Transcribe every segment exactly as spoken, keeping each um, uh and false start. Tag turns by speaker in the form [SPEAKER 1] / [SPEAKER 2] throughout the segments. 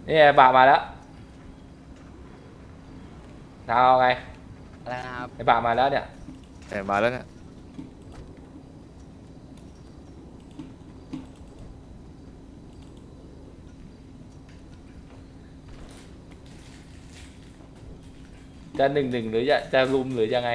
[SPEAKER 1] นี่ไงบะมาแล้วเอาไง
[SPEAKER 2] อะไรนะครับ
[SPEAKER 1] ไอ้บะมาแล้วเนี่ย
[SPEAKER 3] แต่มาแล้วเนี่ย
[SPEAKER 1] จะหนึ่งหนึ่งหรือจะจะลุมหรือยังไง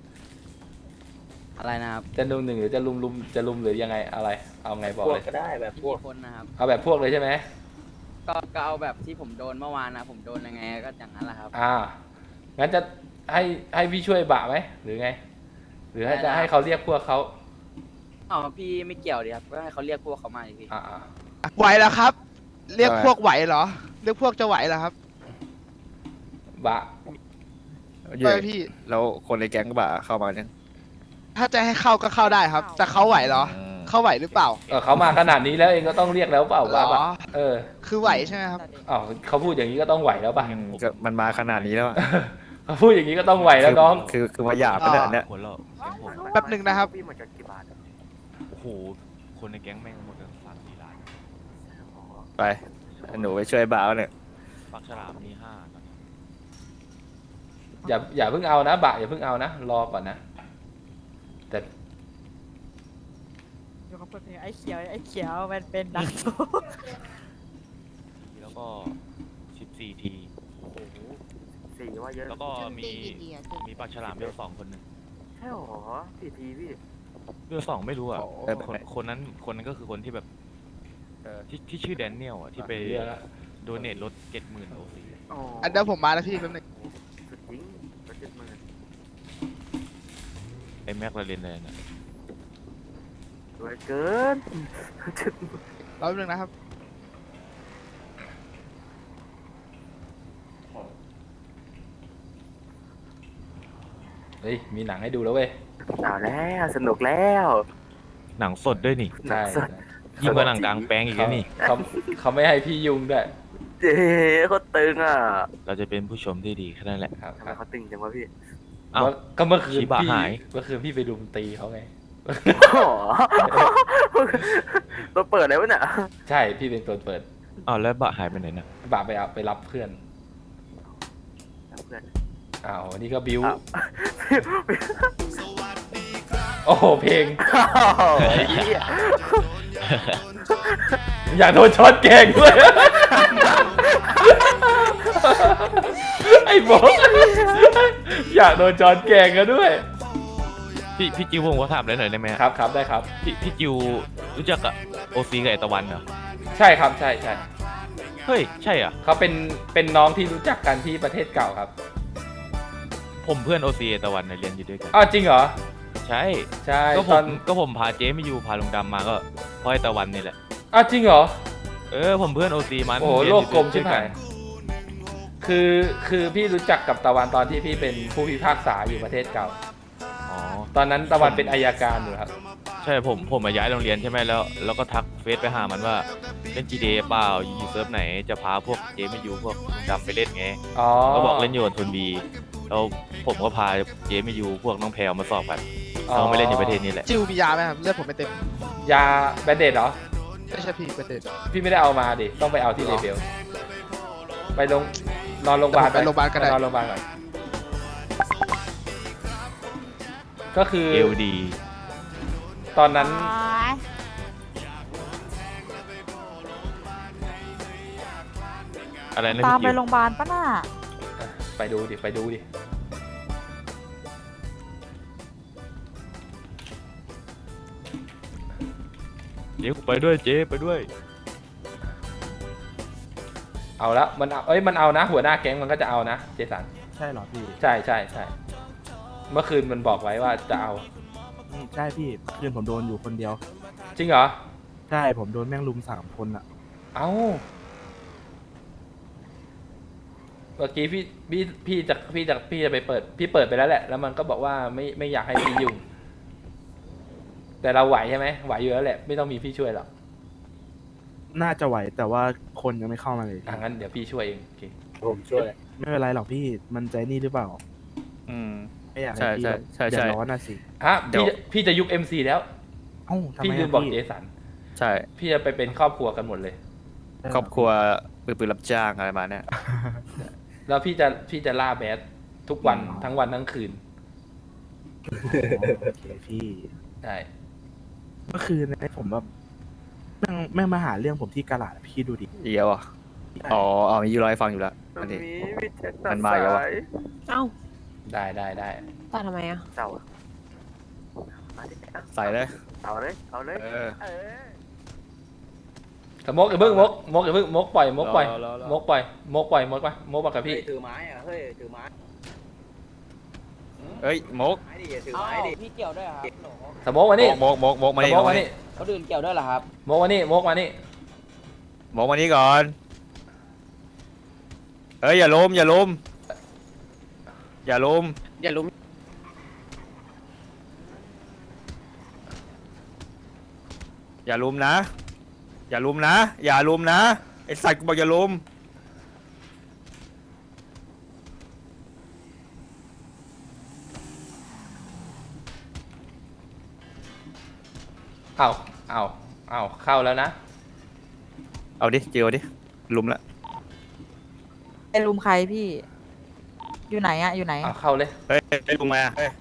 [SPEAKER 2] อะไรนะครับ
[SPEAKER 1] จะหนึ่งหนึ่งหรือจะลุมลุมจะลุมหรือยังไงอะไรเอาไงบอกเลย
[SPEAKER 4] ก็ได้แบบพว
[SPEAKER 2] กี่
[SPEAKER 4] ก
[SPEAKER 2] คนนะครับ
[SPEAKER 1] เอาแบบพวกเลยใช่ไหม
[SPEAKER 2] ก็ก็เอาแบบที่ผมโดนเมื่อวานนะผมโดนยังไงก็อย่างนั้นแหละครับ
[SPEAKER 1] อ่างั้นจะให้ให้พี่ช่วยบะไหมหรือไง หรือให้จะให้เขาเรียกพวกเขา
[SPEAKER 2] อ๋อพี่ไม่เกี่ยวดิครับก็ให้เขาเรียกพวกเขามาอีกที
[SPEAKER 1] อ่า
[SPEAKER 5] ไหวแล้วครับ เรียกพวกไหวเหรอ เรียกพวกจะไหวเหรอครับ
[SPEAKER 1] บะ
[SPEAKER 3] เย่พี่แล้วคนในแก๊งก็บ่าเข้ามาเนี่ย
[SPEAKER 5] ถ้าจะให้เข้าก็เข้าได้ครับ แต่เขาไหวเหรอ เขาไหวหรือเปล่า
[SPEAKER 1] เออเขามาขนาดนี้แล้วเองก็ต้องเรียกแล้วเปล่า
[SPEAKER 5] หรอ
[SPEAKER 1] บะเออ
[SPEAKER 5] คือไหวใช่ไหมครับ
[SPEAKER 1] อ๋อเขาพูดอย่างนี้ก็ต้องไหวแล้วป่ะ
[SPEAKER 3] ก็มันมาขนาดนี้แล้ว
[SPEAKER 1] เขาพูดอย่างนี้ก็ต้องไหวแล้วน้อง
[SPEAKER 3] คือคือมาหยาบขนาดเนี้ย
[SPEAKER 5] แป๊บหนึ่งนะครับ
[SPEAKER 4] พี่หมดกันกี่บาท
[SPEAKER 6] โอ้โห คนในแก๊งแม่งหมดกันสามสี่ล้าน
[SPEAKER 3] ไปหนูไปช่วยบ่าวเนี่ย
[SPEAKER 6] ปากฉลามมีห้า
[SPEAKER 1] อย่าอย่าเพิ่งเอานะบะอย่าเพิ่งเอานะรอก่อนนะแต่
[SPEAKER 7] อยู่กับเพื่อนไอ้เขียวไอ้เขียวมันเป็นดักทุก
[SPEAKER 6] แล้วก็สิบสี่ที
[SPEAKER 4] สี่ว่าเยอะ
[SPEAKER 6] แล้วก็มีมีปากฉลามเบลสองคนหนึ่ง
[SPEAKER 4] ใช่หรอสี่ทีพี่
[SPEAKER 6] เบลสองไม่รู้อ่ะคนคนนั้นคนนั้นก็คือคนที่แบบที่ที่ชื่อแดเนียลอ่ะที่ไปโดเนทรถเจ็ดหมื่นโอซี
[SPEAKER 5] อันเดี๋ยวผมมาแล้วพี่แป๊บหนึง
[SPEAKER 4] สุดจริงรถเจ็ดหมื่น
[SPEAKER 6] ไอ้แม็กลาเรนเลยนะ
[SPEAKER 4] รวยเกินเจ็ดหมื่น
[SPEAKER 5] รอแป๊บหนึงนะครับ
[SPEAKER 1] เฮ้ยมีหนังให้ดูแล้วเว้ย
[SPEAKER 4] เอาแล้วสนุกแล้ว
[SPEAKER 6] หนังสดด้วยนี่
[SPEAKER 1] ใช่
[SPEAKER 4] สด
[SPEAKER 6] ยิ่งกว่าหนังกลางแปลงอีก
[SPEAKER 1] เขา
[SPEAKER 6] แล้วนี่
[SPEAKER 1] เขาเขาไม่ให้พี่ยุ่งด้วย
[SPEAKER 4] เจ๊เขาตึงอ่ะ
[SPEAKER 6] เราจะเป็นผู้ชมที่ดีแค่นั้นแหละ
[SPEAKER 1] ครับ
[SPEAKER 4] ทำไมเขาตึงจังวะพี่
[SPEAKER 6] อ้าว
[SPEAKER 1] ก็เมื่อคืน
[SPEAKER 6] ชิบะ
[SPEAKER 1] พี่
[SPEAKER 6] หาย
[SPEAKER 1] เมื่อคืนพี่ไปรุมตีเขาไง
[SPEAKER 4] อ๋อตัวเปิดเลยวะเนี่ย
[SPEAKER 1] ใช่พี่เป็นตัวเปิด
[SPEAKER 6] อ้าวแล้วบะหายไปไหนนะ
[SPEAKER 1] บาไปเอาไปรับเพื่อน
[SPEAKER 4] เพื่อน
[SPEAKER 1] อ้าวนี่ก็บิว
[SPEAKER 4] อ้าว
[SPEAKER 1] โอ้โหเพลง
[SPEAKER 4] ไอ้เหี้ย
[SPEAKER 1] อยากโดนช็อตแกงด้วย ไอ้บอกอยากโดนจอนแกงกันด้วย
[SPEAKER 6] พี่พี่จิวผมขอถามอะไรหน่อยได้ไหม
[SPEAKER 1] ครับครับได้ครับ
[SPEAKER 6] พี่พี่จิวรู้จักกับโอซีกับไอตะวันเหรอ
[SPEAKER 1] ใช่ครับใช่ใช่
[SPEAKER 6] เฮ้ยใช่เหรอ่ะ
[SPEAKER 1] เขาเป็นเป็นน้องที่รู้จักกันที่ประเทศเก่าครับ
[SPEAKER 6] ผมเพื่อนโอซีไอตะวันเนี่ยเรียนอยู่ด้วยกัน
[SPEAKER 1] อ้าวจริงเหรอ
[SPEAKER 6] ใช่
[SPEAKER 1] ใช่
[SPEAKER 6] ก็ผ
[SPEAKER 1] ตอน
[SPEAKER 6] มก็ผมพาเจ๊ไม่อยู่พาลุงดำมาก็เพราะไอตะวันนี่แหละ
[SPEAKER 1] อ้าวจริงเหรอ
[SPEAKER 6] เออผมเพื่อนโอซีมัน
[SPEAKER 1] โอ้โห
[SPEAKER 6] เรียน
[SPEAKER 1] โล
[SPEAKER 6] อก ยู่
[SPEAKER 1] กลมใช่
[SPEAKER 6] ด้วย
[SPEAKER 1] ไหมคือคือพี่รู้จักกับตะวันตอนที่พี่เป็นผู้พิพากษาอยู่ประเทศเก่า
[SPEAKER 6] อ๋อ
[SPEAKER 1] ตอนนั้นตะวันเป็นอัยการอยู่ครับ
[SPEAKER 6] ใช่ผมผมมาย้ายโรงเรียนใช่ไหมแล้วแล้วก็ทักเฟซไปหามันว่าเล่น จี ดี เอ เปล่าอยู่เซิร์ฟไหนจะพาพวกเจ๊ไม่อยู่พวกลุงดำไปเล่นไง
[SPEAKER 1] อ๋อ
[SPEAKER 6] ก็บอกเล่นอยู่กับทุนบีแล้วผมก็พาเจ๊ไม่อยู่พวกน้องแพรวมาสอบกัน
[SPEAKER 1] อ๋อ
[SPEAKER 6] เขาไม่เล่นอยู่ประเทศนี้แหละ
[SPEAKER 5] จิวมียาไหมครับ เลือดผมไม่เต็ม
[SPEAKER 1] ยาแบนเดดเหรอ
[SPEAKER 5] ไม่ใช่พี่เป็นเด็ด
[SPEAKER 1] พี่ไม่ได้เอามาดิ ต้องไปเอาที่เลเบล ไปลงนอนโรงพยาบาล
[SPEAKER 5] ไปโรงพยาบาลก็ได้
[SPEAKER 1] นอนโรงพยาบาลก่อน ก็คือ
[SPEAKER 6] เอลดี
[SPEAKER 1] ตอนนั้น
[SPEAKER 6] อะไรนะ
[SPEAKER 7] ตาม
[SPEAKER 6] พี่
[SPEAKER 7] ไป
[SPEAKER 6] จิว
[SPEAKER 7] โรงพยาบาลปะน่ะ
[SPEAKER 1] ไปดูดิ ไปดูดิ
[SPEAKER 6] เจ๊ไปด้วยเจ๊ไปด้วย
[SPEAKER 1] เอาละมันเอาเอ้ย มันเอานะ หัวหน้าแก๊งมันก็จะเอานะ เจสัน
[SPEAKER 8] ใช่เหรอพี่
[SPEAKER 1] ใช่ใช่ใช่ เมื่อคืนมันบอกไว้ว่าจะเอา
[SPEAKER 8] อืมใช่พี่คืนผมโดนอยู่คนเดียว
[SPEAKER 1] จริงเหรอ
[SPEAKER 8] ใช่ผมโดนแม่งลุมสามคนอ่ะ
[SPEAKER 1] เอาเมื่อกี้พี่พี่พี่จะพี่จะพี่จะไปเปิด พี่เปิดไปแล้วแหละ แล้วมันก็บอกว่าไม่ไม่อยากให้พี่ยุ่ง แต่เราไหวใช่ไหมไหวอยู่แล้วแหละ ไม่ต้องมีพี่ช่วยหรอก
[SPEAKER 8] น่าจะไหวแต่ว่าคนยังไม่เข้ามาเลย
[SPEAKER 1] อ่ะงั้นเดี๋ยวพี่ช่วยเองโอเค
[SPEAKER 4] ผมช่วย
[SPEAKER 8] ไม่เป็นไรหรอกพี่มันใจนี่หรือเปล่า
[SPEAKER 3] อืม
[SPEAKER 8] ไม่อยากให้
[SPEAKER 3] ใช่
[SPEAKER 8] พี่
[SPEAKER 3] ใช่ใช่ใช่
[SPEAKER 8] เดือดร้อนน่ะสิ
[SPEAKER 1] ฮะ
[SPEAKER 3] เดี๋ยว
[SPEAKER 1] พี่จะพี่จะยุบ เอ็ม ซี แล้ว
[SPEAKER 8] เอ้าทำ
[SPEAKER 1] พี่
[SPEAKER 8] ไม
[SPEAKER 1] ลื
[SPEAKER 8] อะ
[SPEAKER 1] มบอก
[SPEAKER 8] พี่
[SPEAKER 1] เจสัน
[SPEAKER 3] ใช่
[SPEAKER 1] พี่จะไปเป็นครอบครัวกันหมดเลย
[SPEAKER 3] ครอบครัวปืนปืนรับจ้างอะไรมาเนี่ย
[SPEAKER 1] แล้วพี่จะพี่จะล่าแบดทุกวันทั้งวันทั้งคืน
[SPEAKER 8] อ๋อโอเคพี่
[SPEAKER 1] ใช่
[SPEAKER 8] เมื่อคืนนะผมแบบแม่งแม่งมาหาเรื่องผมที่กาลาดพี่ดูดิ
[SPEAKER 3] เดียวอ่ะอ๋ออ๋อมีอยู่ร้อยฟังอยู่แล้วอันนี้
[SPEAKER 4] มีมีแจ็คตั
[SPEAKER 3] มั
[SPEAKER 4] ด
[SPEAKER 3] นมา
[SPEAKER 4] สา
[SPEAKER 3] อีกแล้ววะ
[SPEAKER 4] ย
[SPEAKER 7] เอ้า
[SPEAKER 1] ได้ได้ได้
[SPEAKER 7] ตัดทำไมอ่ะ
[SPEAKER 4] เสาอะมาดิเอา
[SPEAKER 3] ใส่เลย
[SPEAKER 4] เอาเลยเอาเลย
[SPEAKER 3] เออ
[SPEAKER 4] เออ
[SPEAKER 1] แต่มกอย่าเพิ่งมกมกอย่าเพิ่งมกปล่อยมกปล่อย
[SPEAKER 3] รอรอรอ
[SPEAKER 1] มกปล่อยมกปล่อยมกไปมกมากับพี่
[SPEAKER 2] ถือไม้อะเฮ้ยถือไม้
[SPEAKER 3] เฮ้ยมก
[SPEAKER 2] ไม้ดิถือไม้ดิพี่เกี่ยวด้วยครับ
[SPEAKER 1] สมกมานี่
[SPEAKER 3] มกมกมกมา
[SPEAKER 1] ส
[SPEAKER 3] นี่
[SPEAKER 1] มกมานี่
[SPEAKER 2] เขาดื่นเกี่ยวด้วยเหรอครับ
[SPEAKER 1] มกมานี่มกมานี่
[SPEAKER 3] มกมานี่ก่อนเฮ้ยอย่าล้มอย่าล้มอย่าล้ม
[SPEAKER 2] อย่าลุม
[SPEAKER 3] อย่าลุมนะ อย่าลุมนะ อย่าลุมนะไอสัตว์กูบอกอย่าลุม
[SPEAKER 1] เอาเอาเอาเข้าแล้วนะ
[SPEAKER 3] เอาดิเจียวดิลุมละ
[SPEAKER 7] ไอ้ลุมใครพี่ อยู่ไหนอะอยู่ไหน
[SPEAKER 1] เอาเข้าเลย
[SPEAKER 3] เฮ้ยไอลุมมาเฮ้ย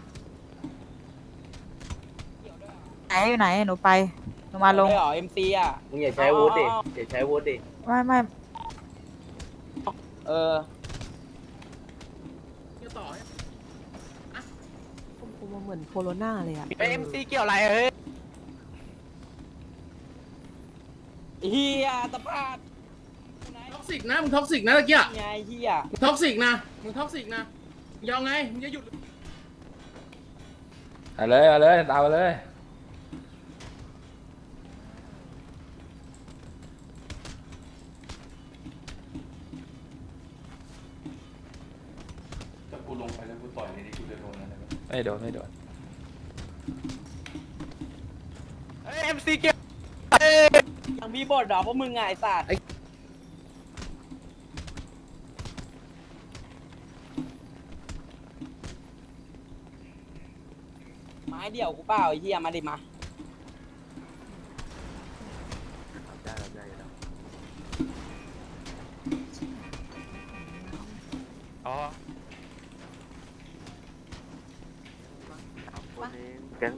[SPEAKER 7] ไหนอยู่ไหนหนูไปหนูมาลง
[SPEAKER 2] เหรอเอ็มซีอ่ะ
[SPEAKER 9] มึงอย่าใช้วุฒิดิอย่าใช้วุฒิดิ
[SPEAKER 7] ไม่ไม่
[SPEAKER 2] เออ
[SPEAKER 7] กูมาเหมือนโคโรนาเลยอะ
[SPEAKER 2] เอ็มซีเกี่ยวอะไรเฮ้ยเฮียตะพาด
[SPEAKER 10] ท็อกซิกนะมึงท็อกซิกนะตะเกีย
[SPEAKER 2] ไงเฮีย
[SPEAKER 10] มึงท็อกซิกนะมึงท็อกซิกนะมึงยาวไงมึงจะหยุด
[SPEAKER 1] เอาเลยเอาเลยตามมาเลยถ้ากูลงไปแล้วกูต่อยในนี้กูจะโดนอะไรไหมไม่โดนไม่โดน
[SPEAKER 2] เอ็มซีเกี่ยวยังมีบทเหรอพวกมึงไงไอ้สัตว์ไม้เดี่ยวกูเปล่าไอ้เฮียมาดิมา
[SPEAKER 4] ได้แล้วได้แล้ว
[SPEAKER 3] อ๋อ
[SPEAKER 4] สามคนเองแก๊ง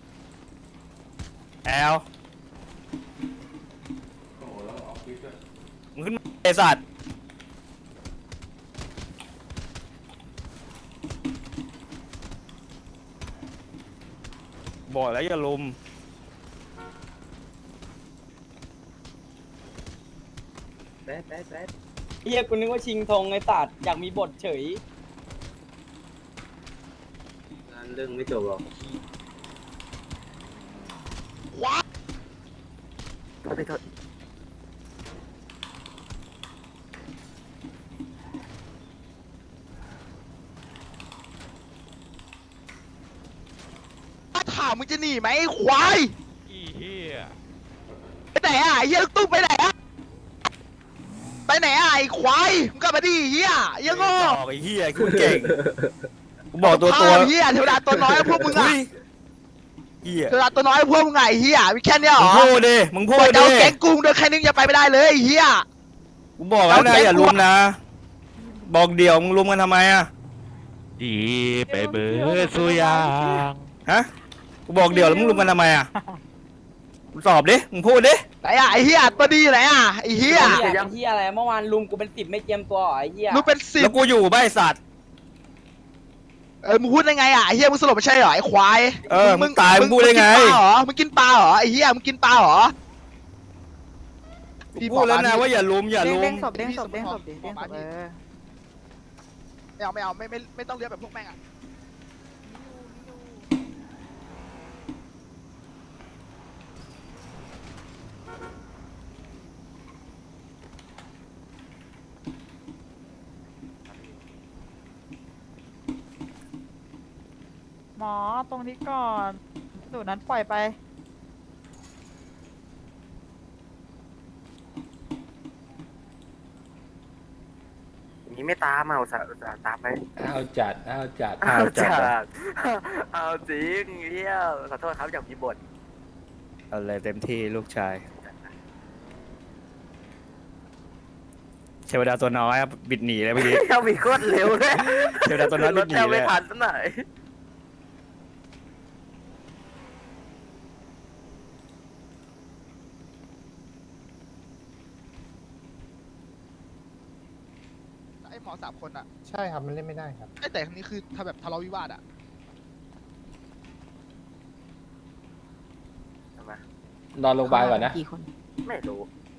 [SPEAKER 3] แอลมึงขึ้นมาไอสัตว์บอกแล้วอย่าลุม
[SPEAKER 9] แป๊ดแป๊ดแป๊ด
[SPEAKER 2] เฮียกูนึกว่าชิงธงไอ้สัตว์อยากมีบทเฉย
[SPEAKER 9] งานเรื่องไม่จบหรอก
[SPEAKER 4] โทษทีโทษ
[SPEAKER 5] ถามมึงจะหนีไหมไอ้ควาย
[SPEAKER 6] อีเหี้ย
[SPEAKER 5] ไปไหนอ่ะไอ้เฮียลูกตุ้มไปไหนอ่ะไปไหนอ่ะไอ้ควายมึงกลับมาดิเฮียไอ้เหี้ยังโง่
[SPEAKER 3] บอกไอ้เหี้ยกูเก่งกูบอกตัวตัว
[SPEAKER 5] เฮียเทวดาตัวน้อยพวกมึงอ่ะ
[SPEAKER 3] อุ๊ยเหี้ย
[SPEAKER 5] เทวดาตัวน้อยพวกมึงไงเฮียมีแค่เนี้ยเหร
[SPEAKER 3] มึง
[SPEAKER 5] อ
[SPEAKER 3] พูดดิมึงพูด
[SPEAKER 5] เจ้า
[SPEAKER 3] ดิ
[SPEAKER 5] แก๊งกุ้งเดินแค่นึงอย่าไปไม่ได้เลยไอ้เฮีย
[SPEAKER 3] กูบอกแล้วนะ
[SPEAKER 5] เอาแก๊ง
[SPEAKER 3] อย่าลุมนะ บอกเดี่ยวมึงลุมกันทำไมอะ
[SPEAKER 6] ดีไปเบิร์ดสุยาง
[SPEAKER 3] ฮะกูบอกเดี่ยวแล้วมึงลุมกันทำไมอะมึงตอบดิมึงพูดดิ
[SPEAKER 5] ไหนอ่ะไอ้เฮียตัวดีไหนอ่ะไอ้เฮีย
[SPEAKER 2] เฮียเป็นเฮียอะไรเมื่อวานลุมกูเป็นสิบไม่เจียมตัวเหรอไอ้เฮีย
[SPEAKER 5] มึงเป็นสิ
[SPEAKER 3] แล้
[SPEAKER 5] บ
[SPEAKER 3] วกูอยู่ใบสัตว์
[SPEAKER 5] เออมึงพูดได้ไงอ่ะไอ้เฮียมึงสลบไม่ใช่เหรอไอ้ควาย
[SPEAKER 3] เออมึงตายมึงพูดได้ไง
[SPEAKER 5] มึกินปลาเหรอมึงกินปลาเหรอไอ้เฮียมึงกินปลาเหรอ
[SPEAKER 3] กูพูดแล้วนะว่าอย่าลุมอย่าลุ
[SPEAKER 7] เด้
[SPEAKER 3] ม
[SPEAKER 7] งศพเด้งศพเด้งศพดิเด้งศพเออ
[SPEAKER 5] ไม่เอาไม่เอาไม่ไม่ไม่ต้องเรียกแบบพวกแม่งอ่ะ
[SPEAKER 7] หมอตรงนี้ก่อนสูตรนั้นปล่อยไป
[SPEAKER 4] อย่างนี้ไม่ตามอ่ะอุตส่าห์อุตส่าห์ตามไป
[SPEAKER 1] เอาจัดเอาจัด
[SPEAKER 4] เอาจัดเอาจริงเฮียขอโทษครับอยากมีบท
[SPEAKER 3] เอาเลยเต็มที่ลูกชายเทวดาตัวน้อยครับบิดหนีเลยเมื่อกี้
[SPEAKER 4] เที่ยวมีโคตรเร็วเลย
[SPEAKER 3] เทวดาตัวน้อยบิดหนี
[SPEAKER 4] รถ
[SPEAKER 3] เล
[SPEAKER 4] ไม่
[SPEAKER 3] ย
[SPEAKER 4] ทันสักหน่อย
[SPEAKER 5] ไอ้หมอสามคนอะ
[SPEAKER 10] ใช่ครับมันเล่นไม่ได้ครับ
[SPEAKER 5] ไอ้แต่ครั้งนี้คือถ้าแบบทะเลาะวิวาทอะ
[SPEAKER 4] ทำไม
[SPEAKER 1] นอนโรงพยาบาลก่อนนะ
[SPEAKER 7] กี่คน
[SPEAKER 4] ไม่รู้